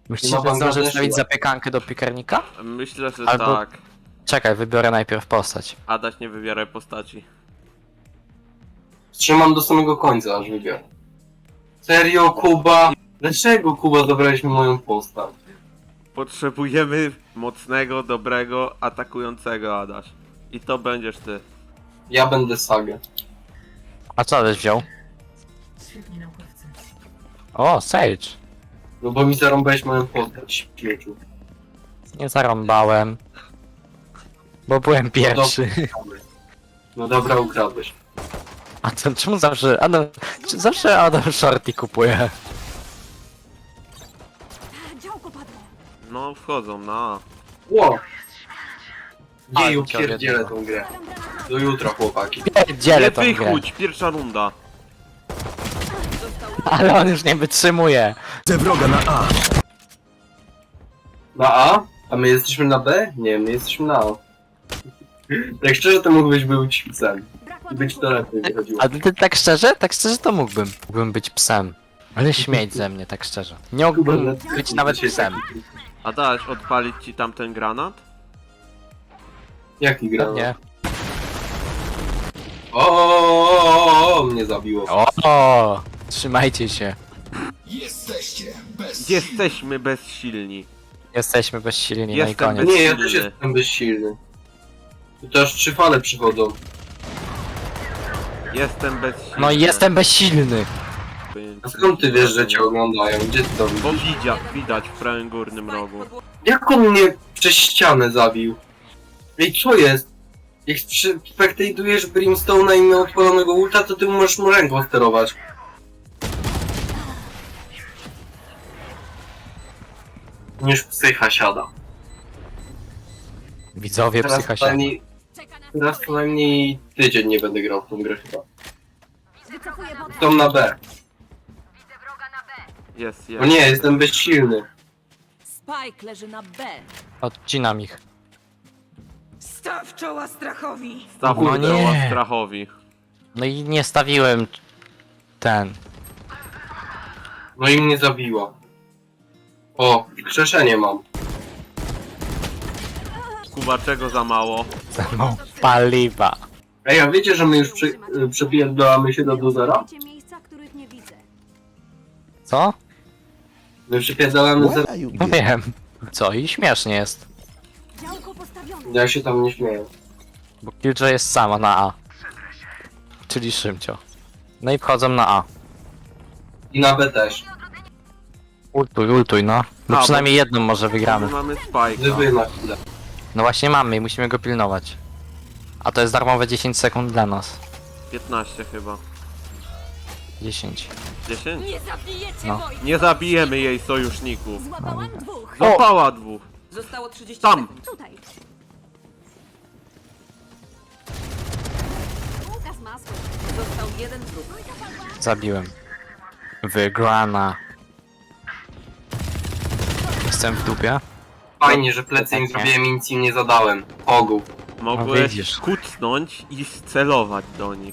Myślisz, ma że zdążę Bangladeszu, wstawić a- zapiekankę do piekarnika? Myślę, że Albo- tak. Czekaj, wybiorę najpierw postać. Adaś, nie wybieraj postaci. Trzymam do samego końca, aż wybiorę. Serio, Kuba? Dlaczego, Kuba, zabrałeś mi moją postać? Potrzebujemy mocnego, dobrego, atakującego, Adaś. I to będziesz ty. Ja będę Sagę. A co Aleś wziął? Świetni naukowcy. O, Sage. No bo mi zarąbałeś moją postać, śmieciu. Nie zarąbałem. Bo byłem pierwszy. No dobra, ukradłeś. A to czemu zawsze Adam shorty kupuje? Działko padło. No, wchodzą na... Ło! Ale Jeju, cię pierdzielę odjebał. tą grę. Do jutra, chłopaki. Dzielę Nie tą grę. wychódź, pierwsza runda. Ale on już nie wytrzymuje. Na A? A my jesteśmy na B? Nie, my jesteśmy na A. Tak szczerze to mógłbyś być psem. Brak I być to ładunku. lepiej wychodziło. A ty tak szczerze? Tak szczerze to mógłbym. Mógłbym być psem. Ale śmieć ze mnie, tak szczerze. Nie mógłbym być nawet psem. Adaś, odpalić ci tamten granat? Jaki gra? Nie. O, mnie zabiło. O, trzymajcie się. Jesteśmy bezsilni. Jesteśmy bezsilni, no i Jestem koniec. Nie, ja silny. też jestem bezsilny. I to aż 3 fale przychodzą. Jestem bezsilny. No i jestem bezsilny. A skąd ty wiesz, że cię oglądają? Gdzie ty to Bo widzisz? widać w prawym górnym rogu. Jak on mnie przez ścianę zabił? Ej, co jest? Jak spektajdujesz Brimstone'a i miał odpalonego ulta, to ty możesz mu ręką sterować. Niż psycha siada. Widzowie Teraz psycha się. przynajmniej, Czeka na teraz przynajmniej tydzień nie będę grał w tą grę chyba. Wycofuję wodę. Tą na B. Jest, O jest. nie, jestem bezsilny. Spike leży na B. Odcinam ich. Staw czoła strachowi! Staw No nie. nie. Strachowi. No i nie stawiłem ten. No i mnie zabiła. O, krzeszenie mam. Kuba, czego za mało? No, paliwa. Ej, a wiecie, że my już przepierdolamy się do zera? Widzicie miejsca, których nie widzę. Co? My przepierdolamy zero. No wiem. Co? I śmiesznie jest. Działko postawione. Ja się tam nie śmieję. Bo Killjoy jest sama na A. Czyli Szymcio. No i wchodzą na A. I na B też. Ultuj, no. Bo A, przynajmniej jedną może wygramy. My mamy Spike'a. Gdyby na chwilę. No właśnie mamy i musimy go pilnować. A to jest darmowe 10 sekund dla nas. 15 chyba. 10. 10? Nie zabijecie No. wojska! Nie zabijemy jej sojuszników. Złapałam dwóch. Złapała dwóch. Zostało 30 Tam. sekund. Tutaj. Bułka z masłem. Został jeden wróg. Zabiłem. Wygrana. Jestem w dupie. Fajnie, że plecy im zrobiłem i nic im nie zadałem. Ogół. Mogłeś widzisz. kucnąć i celować do nich.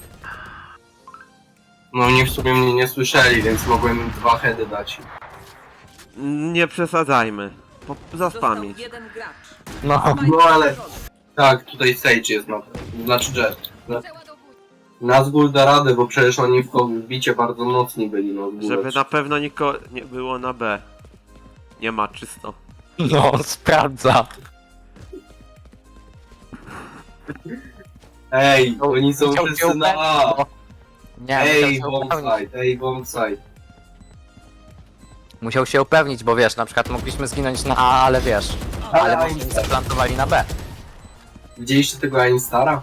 No oni w sumie mnie nie słyszeli, więc mogłem im 2 heady dać. Nie przesadzajmy. Został Zaspamić. jeden gracz. No. No ale... Tak, tutaj Sage jest na... Znaczy Jet. Nazgul da radę, bo przecież oni w bicie bardzo mocni byli, no. Żeby na pewno nikogo nie było na B. Nie ma, czysto. No, sprawdza. Ej, oni są Chciał wszyscy cię na A! upewnić, Nie, Ej, musiał się upewnić. bombsite, ej, bombsite. Musiał się upewnić, bo wiesz, na przykład mogliśmy zginąć na A, ale wiesz. Ale Ale mogliśmy zaplantowali na B. Widzieliście tego Ainstara?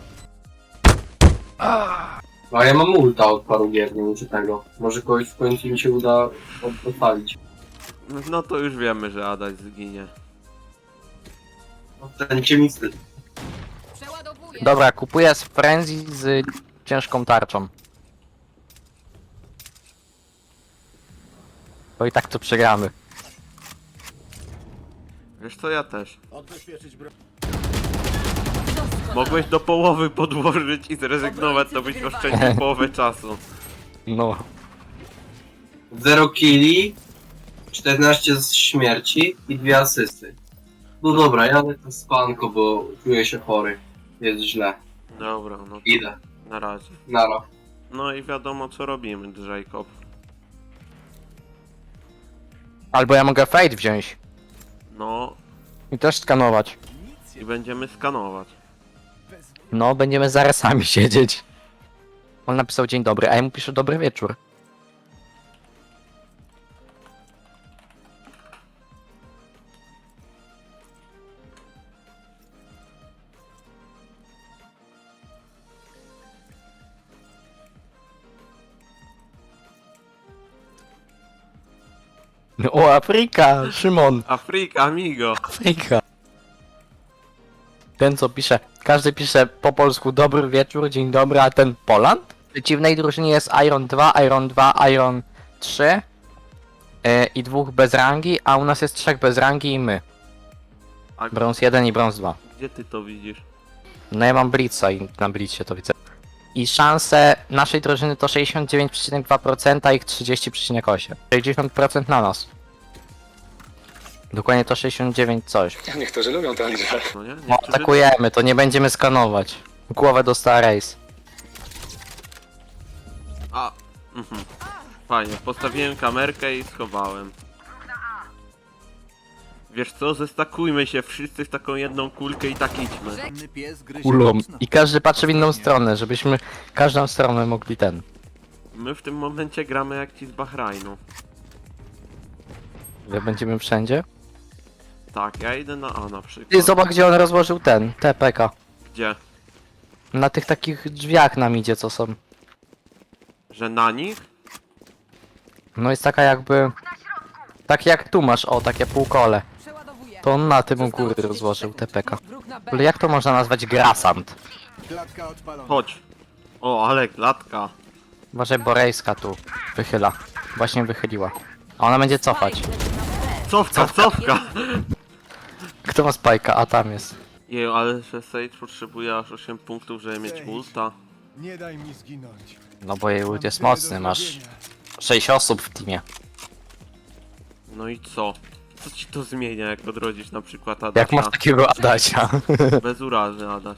No a ja mam ulta od paru gier, nie muszę tego. Może kogoś w końcu mi się uda odpalić. No to już wiemy, że Adaś zginie. Ten ciemnisty. Przeładowuję. Dobra, kupuję z Frenzy z ciężką tarczą. Bo i tak to przegramy. Wiesz co, ja też. Mogłeś do połowy podłożyć i zrezygnować, to byś oszczędził połowę czasu. No. 0 killi, 14 z śmierci i 2 asysty. No dobra, jadę to spanko, bo czuję się chory. Jest źle. Dobra, no to Idę. na razie. Nara. No i wiadomo co robimy, Jacob. Albo ja mogę fade wziąć No i też skanować. i będziemy skanować. No, będziemy zaraz sami siedzieć. On napisał dzień dobry, a ja mu piszę dobry wieczór. O, Afryka! Szymon! Afryka, amigo! Afryka! Ten co pisze, każdy pisze po polsku dobry wieczór, dzień dobry, a ten Poland? W przeciwnej drużynie jest Iron 2, Iron 2, Iron 3 i 2 bez rangi, a u nas jest 3 bez rangi i my. A Brąz 1 i brąz 2. gdzie ty to widzisz? No ja mam Blitza i na Blitzcie to widzę. I szanse naszej drużyny to 69,2%, a ich 30,8%. 60% na nas. Dokładnie to 69 coś. Niektórzy lubią tę liczbę. No nie? No, Niektórzy... atakujemy, to nie będziemy skanować. Głowę dostała Race. A, fajnie, postawiłem kamerkę i schowałem. Wiesz co, zestakujmy się wszyscy w taką jedną kulkę i tak idźmy. Kulą. I każdy patrzy w inną stronę, żebyśmy każdą stronę mogli ten. My w tym momencie gramy jak ci z Bahrajnu. Jak będziemy wszędzie. Tak, ja idę na A na przykład. Ty zobacz gdzie on rozłożył ten, TPK. Gdzie? Na tych takich drzwiach nam idzie co są. Że na nich? No jest taka jakby... Tak jak tu masz, o takie półkole. Przeładowuję. To on na tym u Zostało góry 30 rozłożył sekund. TPK. Wróg na B. Ale jak to można nazwać grasant? Chodź. O, ale klatka. Uważaj, Borejska tu wychyla. Właśnie wychyliła. A ona będzie cofać. Cofka, cofka! Kto ma spajka? A tam jest. Jeju, ale że Sage potrzebuje aż 8 punktów, żeby mieć ulta. Nie daj mi zginąć. No bo jej ult Mam jest tyle mocny, do masz zrobienia. 6 osób w teamie. No i co? Co ci to zmienia, jak odrodzisz na przykład Adasia? Jak masz takiego Adasia? Bez urazy, Adaś.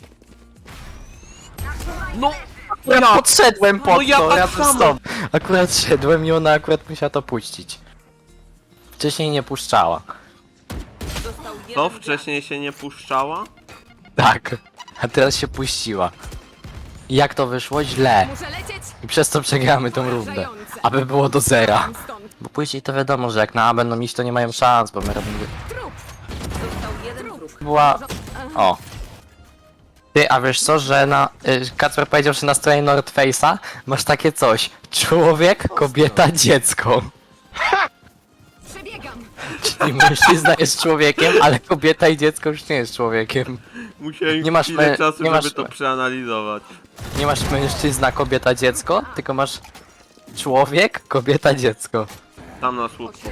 Ja podszedłem pod No ja to, tak razem z samo. tobą. Akurat szedłem i ona akurat musiała to puścić. Wcześniej nie puszczała. Został jeden To gracz. wcześniej się nie puszczała? Tak. A teraz się puściła. I jak to wyszło? Źle. Muszę lecieć! I przez to przegramy tą rundę. Aby było do zera. Stąd. Bo później to wiadomo, że jak na A będą iść, to nie mają szans, bo my robimy... Został jeden wróg. Była... O. Ty, a wiesz co, że na... Kacper powiedział, że na stronie North Face'a masz takie coś. Człowiek, kobieta, dziecko. Przebiegam! Czyli mężczyzna jest człowiekiem, ale kobieta i dziecko już nie jest człowiekiem. Musiałem Nie masz chwilę me- czasu, nie żeby masz to me- przeanalizować. Nie masz mężczyzna, kobieta, dziecko, tylko masz człowiek, kobieta, dziecko. Tam na słupku.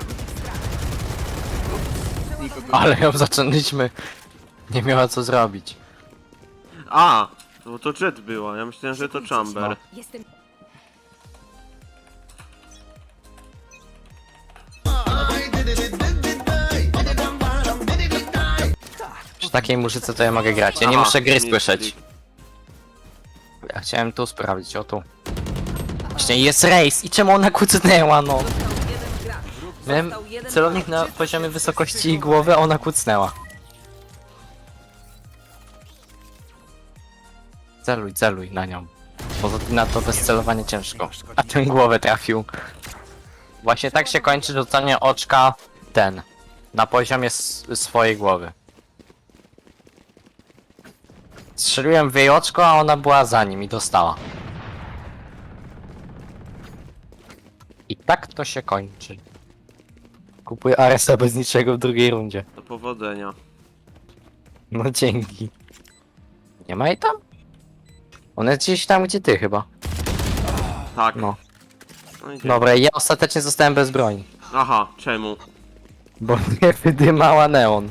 Ale ją zaczęliśmy. Nie miała co zrobić. A! To Jet była, ja myślałem, że to Chamber. Jestem... Przy takiej muzyce to ja mogę grać. Ja nie Aha, muszę gry nic, słyszeć. nic. Ja chciałem tu sprawdzić, o tu. Właśnie jest race i czemu ona kucnęła, no? Został jeden gracz. Miałem Został jeden celownik gracz. na poziomie wysokości jej głowy, a ona kucnęła. Celuj, celuj na nią. Poza tym na to bez celowania ciężko. A ten głowę trafił. Właśnie tak się kończy rzucanie oczka ten. Na poziomie swojej głowy. Strzeliłem w jej oczko, a ona była za nim i dostała. I tak to się kończy. Kupuję Aresa bez niczego w drugiej rundzie. Do powodzenia. No dzięki. Nie ma jej tam? Ona jest gdzieś tam, gdzie ty chyba. Tak. No. No idziemy. Dobra, ja ostatecznie zostałem bez broni. Aha, czemu? Bo mnie wydymała neon.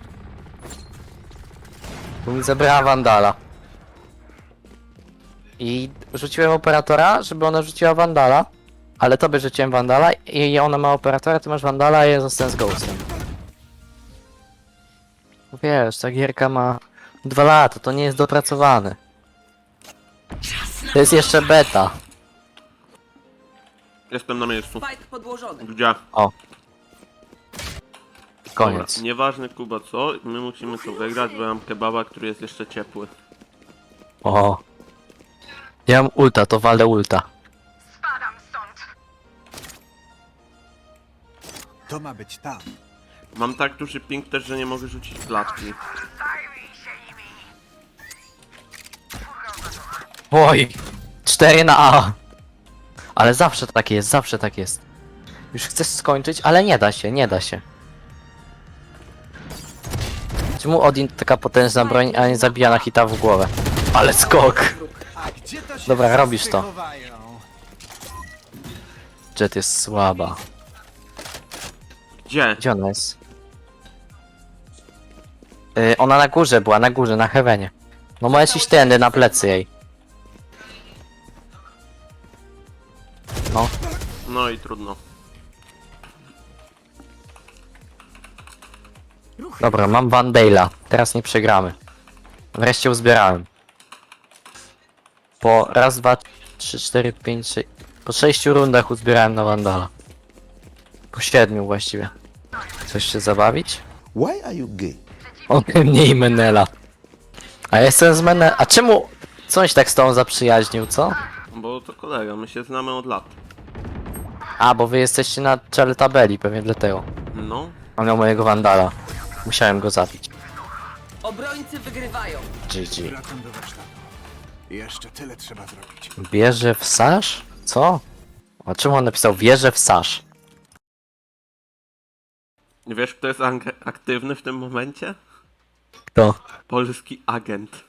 Bo mi zabrała Wandala. I rzuciłem operatora, żeby ona rzuciła Wandala. Ale tobie rzuciłem Vandala i ona ma operatora, ty masz Vandala, a ja zostanę z Ghostem. Wiesz, ta gierka ma 2 lata, to nie jest dopracowane. To jest jeszcze beta. Jestem na miejscu. Spike podłożony. Gdzie? Koniec. Dobra, nieważne Kuba co, my musimy to wygrać, bo ja mam kebaba, który jest jeszcze ciepły. O. Ja mam ulta, to walę ulta. To ma być tam. Mam tak duży ping też, że nie mogę rzucić klatki. Oj. 4 na A. Ale zawsze tak jest, zawsze tak jest. Już chcesz skończyć, ale nie da się, nie da się. Czemu Odin to taka potężna broń, a nie zabija na hita w głowę? Ale skok! A gdzie to się Dobra, robisz to. chowają? Jet jest słaba. Gdzie? Gdzie ona jest? Ona na górze była, na górze, na heavenie. No możesz iść tędy, na plecy jej. No, No i trudno. dobra, mam Vandala. Teraz nie przegramy. Wreszcie uzbierałem. Po raz, dwa, 3, 4, 5, 6... Po 6 rundach uzbierałem na Vandala. Po 7 właściwie. Chcesz się zabawić? Why are you gay? Ode mnie i Menela. A ja jestem z Menela. A czemu coś tak z tą zaprzyjaźnił, co? Bo to kolega, my się znamy od lat. A, bo wy jesteście na czele tabeli, pewnie dlatego. No. On miał mojego Vandala. Musiałem go zabić. Obrońcy wygrywają. GG. Wracam do warsztatu. Jeszcze tyle trzeba zrobić. Wierzę w Sasz? Co? A czemu on napisał wierzę w Sasz? Wiesz kto jest aktywny w tym momencie? Kto? Polski agent.